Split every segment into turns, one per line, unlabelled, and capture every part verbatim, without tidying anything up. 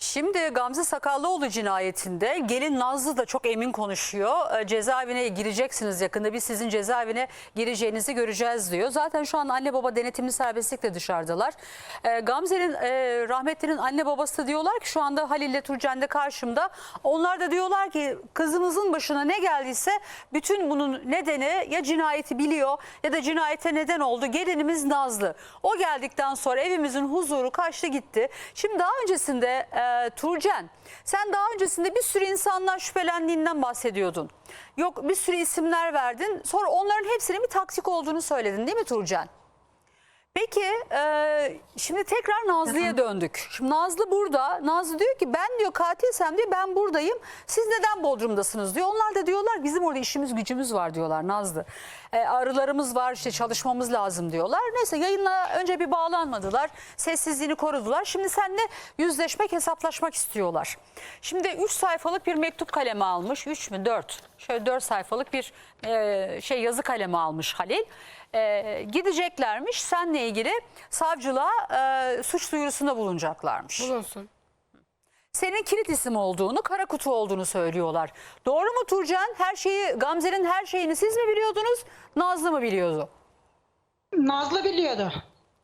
Şimdi Gamze Sakallıoğlu cinayetinde gelin Nazlı da çok emin konuşuyor. E, cezaevine gireceksiniz yakında, biz sizin cezaevine gireceğinizi göreceğiz diyor. Zaten şu an anne baba denetimli serbestlikle dışarıdalar. E, Gamze'nin e, rahmetlinin anne babası da diyorlar ki şu anda Halil ile Turcan de karşımda. Onlar da diyorlar ki kızımızın başına ne geldiyse bütün bunun nedeni ya cinayeti biliyor ya da cinayete neden oldu. Gelinimiz Nazlı. O geldikten sonra evimizin huzuru kaçtı gitti. Şimdi daha öncesinde e, Turcan, sen daha öncesinde bir sürü insandan şüphelendiğinden bahsediyordun. Yok, bir sürü isimler verdin. Sonra onların hepsinin bir taktik olduğunu söyledin, değil mi Turcan? Peki e, şimdi tekrar Nazlı'ya döndük. Şimdi Nazlı burada. Nazlı diyor ki ben diyor katilsem diyor ben buradayım. Siz neden Bodrum'dasınız diyor. Onlar da diyorlar bizim orada işimiz gücümüz var diyorlar Nazlı. E, arılarımız var, işte çalışmamız lazım diyorlar. Neyse, yayınla önce bir bağlanmadılar. Sessizliğini korudular. Şimdi seninle yüzleşmek, hesaplaşmak istiyorlar. Şimdi üç sayfalık bir mektup kalemi almış. üç mü dört? Şöyle dört sayfalık bir e, şey yazı kalemi almış Halil. Ee, gideceklermiş seninle ilgili savcılığa e, suç duyurusunda bulunacaklarmış.
Bulunsun.
Senin kilit isim olduğunu, kara kutu olduğunu söylüyorlar. Doğru mu Turcan? Her şeyi, Gamze'nin her şeyini siz mi biliyordunuz? Nazlı mı biliyordu?
Nazlı biliyordu.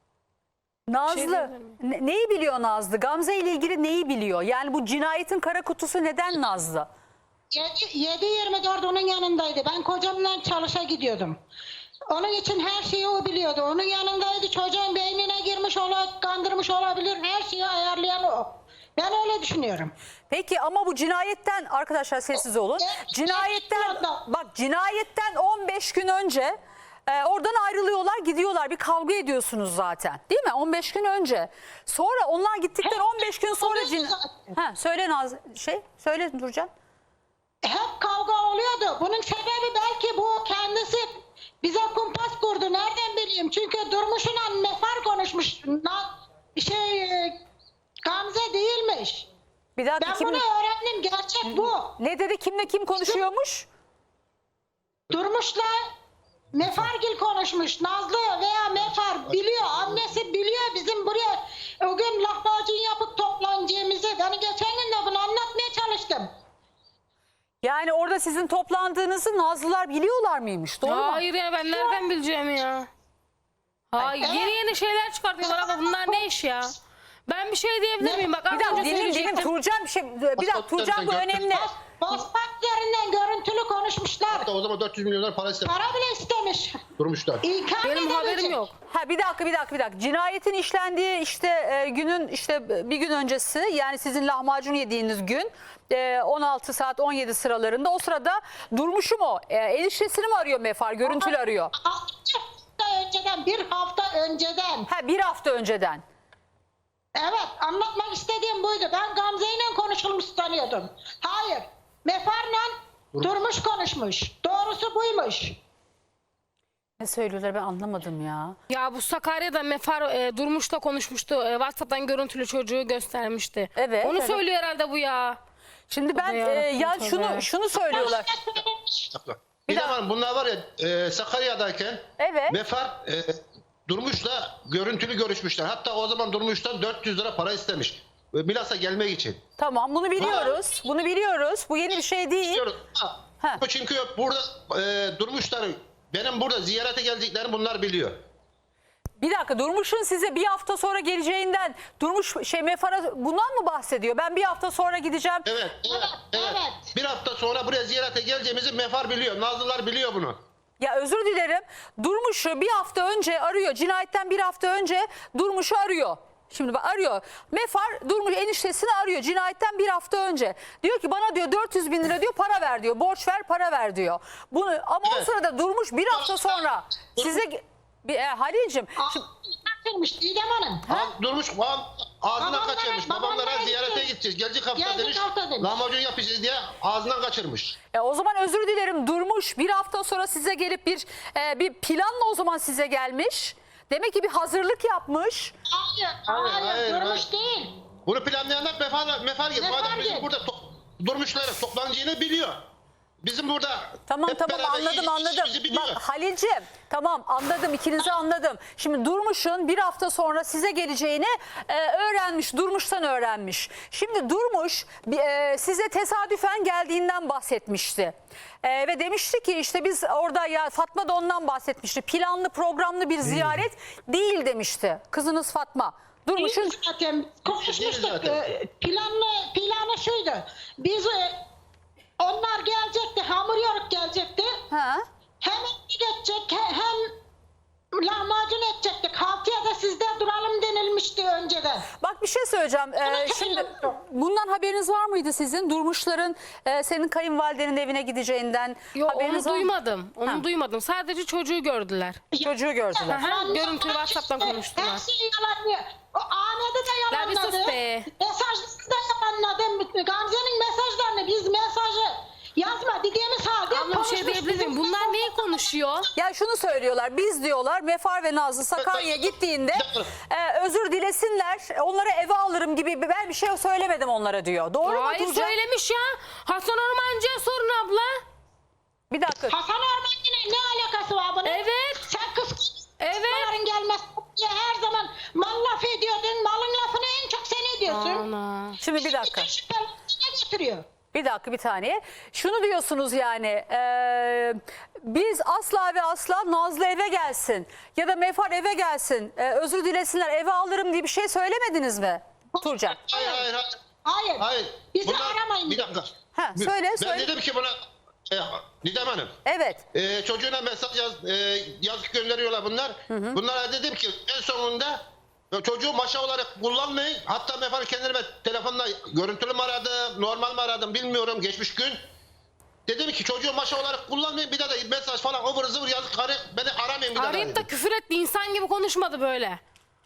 Nazlı
Şey
ne- neyi biliyor Nazlı? Gamze ile ilgili neyi biliyor? Yani bu cinayetin kara kutusu neden Nazlı?
yedi yirmi dört onun yanındaydı. Ben kocamla çalışa gidiyordum. Onun için her şeyi o biliyordu. Onun yanındaydı. Çocuğun beynine girmiş olabilir, kandırmış olabilir. Her şeyi ayarlayan o. Ben öyle düşünüyorum.
Peki ama bu cinayetten, arkadaşlar sessiz olun.
Evet,
Cinayetten
evet, evet.
bak cinayetten on beş gün önce e, oradan ayrılıyorlar, gidiyorlar. Bir kavga ediyorsunuz zaten. Değil mi? on beş gün önce. Sonra onlar gittikten
Hep
on beş gün sonra
oluyordu
cin...
zaten.
Ha, söyle Naz şey söyle Turcan.
Hep kavga oluyordu. Bunun sebebi belki bu kendisi bize kumpas kurdu. Nereden bileyim? Çünkü Durmuş'la Mefar konuşmuş. Na, şey e, Gamze değilmiş.
Bir dakika,
Ben
kim,
bunu öğrendim. Gerçek bu.
ne dedi, kimle kim konuşuyormuş?
Durmuş'la Mefargil konuşmuş. Nazlı veya Mefar biliyor. Annesi biliyor bizim buraya o gün lahmacun yapıp toplanacağımızı. Ben geçen gün de bunu anlatmaya çalıştım.
Yani orada sizin toplandığınızı Nazlılar biliyorlar mıymış? Doğru mu?
Hayır ya, ben nereden bileceğim ya? Hayır,
Evet.
yeni yeni şeyler çıkartıyorlar ama bunlar ne iş ya? Ben bir şey diyebilir miyim? Bak
Bir
az
dakika
önce
dilim dilim
söyleyecektim.
Turcan bir şey bir dakika Turcan bu önemli.
Bas, basmak üzerinden görüntülü konuşmuşlar.
Hatta o zaman dört yüz milyon para istemiş.
Para bile istemiş.
Durmuşlar.
İnkar
Benim haberim
edemeyecek.
yok.
Ha bir dakika bir dakika bir dakika. Cinayetin işlendiği işte e, günün işte bir gün öncesi, yani sizin lahmacun yediğiniz gün e, on altı saat on yedi sıralarında, o sırada Durmuş'um o. E, eniştesini mi arıyor Mefar? Görüntülü arıyor.
Bir hafta önceden, bir hafta önceden.
Ha bir hafta önceden.
Evet, anlatmak istediğim buydu. Ben Gamze ile konuşulmuş sanıyordum. Hayır, Mefar'la Durmuş konuşmuş. Doğrusu buymuş.
Ne söylüyorlar ben anlamadım ya.
Ya bu Sakarya'da Mefar e, Durmuş'la konuşmuştu. E, WhatsApp'tan görüntülü çocuğu göstermişti.
Evet,
Onu
evet.
söylüyor herhalde bu ya.
Şimdi ben
Tabii
e,
yarabbim,
ya
tabii.
şunu şunu söylüyorlar.
Bir zaman bunlar var ya e, Sakarya'dayken
Evet.
Mefar e, Durmuş'la görüntülü görüşmüşler. Hatta o zaman Durmuş'tan dört yüz lira para istemiş. E, Milas'a gelmek için.
Tamam, bunu biliyoruz. Bunu biliyoruz. Bu yeni bir şey değil.
Diyoruz. Ha,
Ha.
Çünkü burada e, Durmuşlar benim burada ziyarete geldiklerini bunlar biliyor.
Bir dakika, Durmuş'un size bir hafta sonra geleceğinden Durmuş şey Mefar'a bundan mı bahsediyor? Ben bir hafta sonra gideceğim.
Evet, evet, evet.
evet.
Bir hafta sonra buraya ziyarete geleceğimizi Mefar biliyor. Nazlılar biliyor bunu.
Ya özür dilerim. Durmuş'u bir hafta önce arıyor. Cinayetten bir hafta önce Durmuş'u arıyor. Şimdi bak arıyor. Mefar Durmuş eniştesini arıyor cinayetten bir hafta önce. Diyor ki bana diyor dört yüz bin lira diyor para ver diyor. Borç ver para ver diyor. Bunu ama o
Evet.
sırada Durmuş bir hafta sonra size bir e, Halil'cim şimdi-
Kaçırmış Didem Hanım.
Ha? Durmuş ağ- ağzından
Babamlara-
kaçırmış.
babamlara
Babamlara ziyarete
gideceğiz.
gideceğiz. Gelecek hafta
Gelecek
demiş.
hafta demiş.
Lahmacun yapacağız diye ağzından kaçırmış.
E o zaman özür dilerim, Durmuş bir hafta sonra size gelip bir e, bir planla o zaman size gelmiş. Demek ki bir hazırlık yapmış.
Hayır,
Hayır,
hayır,
hayır,
Durmuş
hayır.
değil.
Bunu planlayanlar Mefar, Mefar gibi. Bu adam
Mefar
bizim
gibi.
burada to- Durmuşlara toplanacağını biliyor. Bizim burada
Tamam
hep
tamam
beraber
anladım
iyi-
anladım.
işimizi biliyor.
Bak Halil'ciğim tamam anladım, ikinizi anladım. Şimdi Durmuş'un bir hafta sonra size geleceğini e, öğrenmiş. Durmuş'tan öğrenmiş. Şimdi Durmuş e, size tesadüfen geldiğinden bahsetmişti. E, ve demişti ki işte biz orada, ya Fatma da ondan bahsetmişti. Planlı programlı bir ziyaret değil demişti kızınız Fatma. Durmuş'un
Zaten konuşmuştuk.
zaten.
Ee, Planlı, planı şuydu. Biz e, onlar gelecekti. Hamur yoruk gelecekti.
ha?
Hem geçecek he- hem lahmacun edecektik. Haftaya da sizde duralım denilmişti önceden.
Bak bir şey söyleyeceğim. Ee,
Ama
şimdi
tabii-
bundan haberiniz var mıydı sizin? Durmuşların e, senin kayınvalidenin evine gideceğinden
Yo, onu
haberiniz var mı?
duymadım. Onu
Ha.
duymadım. Sadece çocuğu gördüler.
Çocuğu gördüler.
Aha,
Yalan-
görüntülü
yalan
WhatsApp'tan
işte.
konuştular.
Her şeyi yalanlıyor. O Ahmet'i de
Ya bir sus
yalanladı.
be.
Mesajları da yalanladı. Gamze'nin mesajlarını biz mesajı yazma dediğimiz halde
Abla bir şey
konuşmuş.
diyebilir miyim?
Bizim-
Bunlar neyi konuşuyor?
Ya şunu söylüyorlar, biz diyorlar Mefar ve Nazlı Sakarya'ya gittiğinde e, özür dilesinler, onları eve alırım gibi, ben bir şey söylemedim onlara diyor. Doğru mu
Hayır
Tuğçe?
söylemiş ya. Hasan Ormancı'ya sorun abla.
Bir dakika.
Hasan Ormancı'nın ne alakası var bunun?
Evet.
Sen kız
Evet.
Bunların gelmez diye her zaman mal laf ediyordun. Malın lafını en çok sen ediyorsun.
Ana.
Şimdi bir dakika.
Bütün şüphelerini ne getiriyor?
Bir dakika bir tane. Şunu diyorsunuz yani e, biz asla ve asla Nazlı eve gelsin ya da Mefar eve gelsin, e, özür dilesinler, eve alırım diye bir şey söylemediniz mi Turcan?
Hayır hayır hayır.
Hayır.
Hayır.
Bizi
Bunlar-
aramayın.
Bir dakika.
Ha, söyle,
ben
söyle.
dedim ki buna e, Didem Hanım.
Evet.
E, çocuğuna mesaj yaz, e, yazıp gönderiyorlar bunlar. Bunlara dedim ki en sonunda e, çocuğu maşa olarak kullanmayın. Hatta Mefar'ı kendime telefonla görüntülü mü aradım, normal mi aradım bilmiyorum geçmiş gün. Dedim ki çocuğu maşa olarak kullanmayın, bir daha da mesaj falan ıvır zıvır yazıp karı beni aramayın bir daha.
Arayıp da
dedim.
küfür etti. İnsan gibi konuşmadı böyle.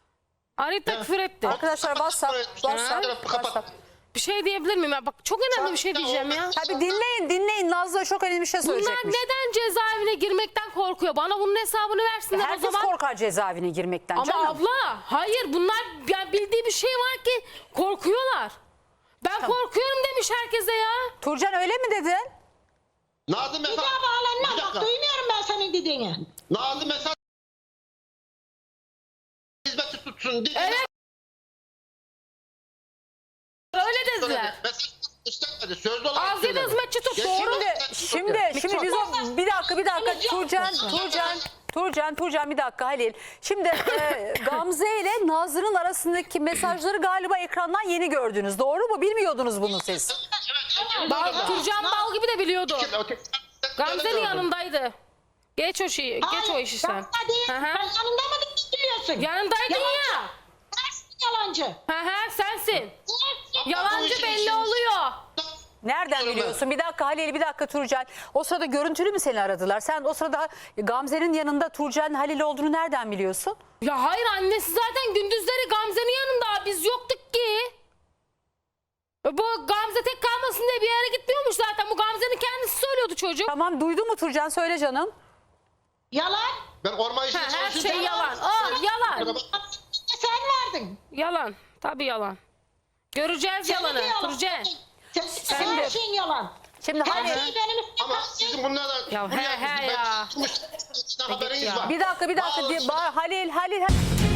Arayıp da
Ya.
küfür etti.
Arkadaşlar WhatsApp, WhatsApp,
Kapat.
WhatsApp.
Bir şey diyebilir miyim? Ya? Bak çok önemli bir şey diyeceğim ya.
Tabii dinleyin dinleyin, Nazlı çok önemli bir şey
Bunlar
söyleyecekmiş.
neden cezaevine girmekten korkuyor? Bana bunun hesabını versinler o
Herkes
zaman.
korkar cezaevine girmekten
Ama
canım.
abla hayır bunlar yani bildiği bir şey var ki korkuyorlar. Ben korkuyorum demiş herkese ya.
Turcan öyle mi dedin?
Nazlı
Bir
mesaj.
daha
Bir
bağlanma. Bak
dakika.
duymuyorum ben senin dediğini.
Nazlı mesaj. Hizmeti tutsun diye.
Evet. Öyle dediler.
Mesaj istemedi. Sözlü olarak
Ağzıyla
söyledi.
hizmetçi tut,
Geçti
doğru.
mesaj
Şimdi
tuttu.
şimdi biz o bir dakika bir dakika Turcan Turcan Turcan Turcan bir dakika Halil. Şimdi e, Gamze ile Nazlı'nın arasındaki mesajları galiba ekrandan yeni gördünüz. Doğru mu? Bilmiyordunuz bunu siz.
Bak Turcan Bal gibi de biliyordu.
Öteki-
Gamze'nin
gördüm.
yanındaydı. Geç o şeyi, geç o
Hayır,
işi sen.
yanında değil.
Hı hı.
Ben yanında mı biliyorsun?
Yanındaydın
Yalancı.
ya.
Sensin yalancı.
Hı hı sensin.
Sensin.
Bu
Yalancı
işin
belli
içinde-
oluyor.
Nereden
Biliyorum ben.
biliyorsun? Bir dakika Halil, bir dakika Turcan. O sırada görüntülü mü seni aradılar? Sen o sırada Gamze'nin yanında Turcan Halil olduğunu nereden biliyorsun?
Ya hayır annesi zaten gündüzleri Gamze'nin yanında. Biz yoktuk ki. Bu Gamze tek kalmasın diye bir yere gitmiyormuş zaten. Bu Gamze'nin kendisi söylüyordu çocuk.
Tamam, duydun mu Turcan? Söyle canım.
Yalan.
Ben orman işini
Ha, her
çalışırken-
şey yalan. Oh yalan.
Sen vardın.
Yalan. Tabii yalan. Göreceğiz
Senin
yalanı.
de yalan.
Turce.
Sen, sen her şeyin yalan.
Şimdi
Her
Halil,
şeyi benim üstüme
Ama
kalktın.
sizin bunlardan
Ya he he ya.
haberiniz
ya.
var.
bir dakika bir dakika.
Vallahi-
Halil Halil Halil.